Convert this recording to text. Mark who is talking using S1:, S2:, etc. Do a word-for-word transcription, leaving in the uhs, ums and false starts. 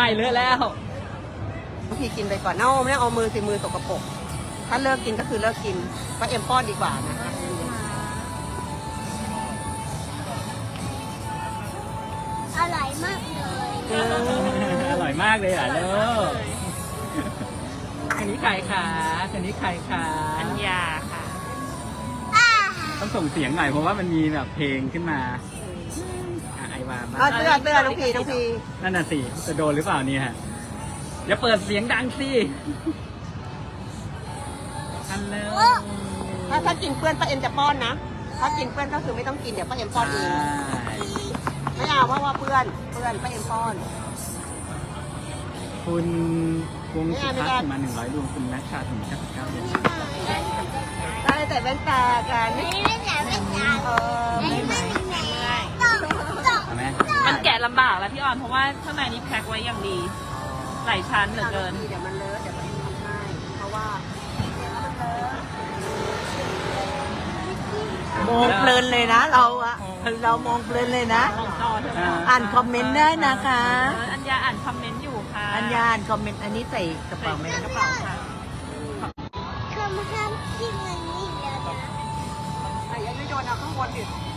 S1: ายเลอะแล้ว
S2: บางทีกินไปก่อนเน่าไม่ได้เอามือสิมือสกปรกถ้าเลิกกินก็คือเลิกกินก็เอ็มป้อนดีกว่านะ
S3: อร่อยมากเลย
S1: อร่อยมากเลยอ่ะลูกอันนี้ใครคะอันนี้ใครคะอัญญาค่ะต้องส่งเสียงหน่อยเพราะว่ามันมีแบบเพลงขึ้นมาอ่ะไอวาบ้าง
S2: เอาเตือนเตือนน้องพีน้องพี
S1: นั่นน่ะสิจะโดนหรือเปล่าเนี่ยอย่าเปิดเสียงดังสิฮัลโหล
S2: ถ้าถ้ากินเปื้อนป้าเอ็มจะป้อนนะถ้ากินเปื้อนก็คือไม่ต้องกินเดี๋ยวป้าเอ็มป้อนเองไม่เอาเพราะว่าเปื้อนเปื้อนป้าเอ็มป้อน
S1: คุณวงสุทัศน์มาหนึ่งร้อยดวงคุณนัชชาถึงเก้าสิบเก้าเดือน
S2: ได้แต่แว่นตากัน
S3: ไม่ไม่แหนไม่แหน
S2: เออ
S3: ไม่ไม่แหนต้องต้อง
S1: ใช่ไหม
S4: มันแกะลำบากแล้วพี่ออนเพราะว่าข้างในนี้แพ็คไว้อย่างดีหลายชั้นเหลือเกิน
S2: เดี๋ยวมันเลอะเดี๋ยวมันทำให้เพราะว่า
S5: มองเพลินเลยนะเราอะเรามองเพลินเลยนะ อ่านคอมเมนต์ได้นะคะ
S4: อัญญาอ่านคอมเมนต์อยู่ค่ะ
S5: อัญญาอ่านคอมเมนต์อันนี้ใส่กระเป๋าไหม
S4: กระเป๋าค่ะ
S3: คำห้ามกินอันนี้เดี๋ยวนะ
S2: ไอ้ยังไม่โยนเอาข้างบนดิ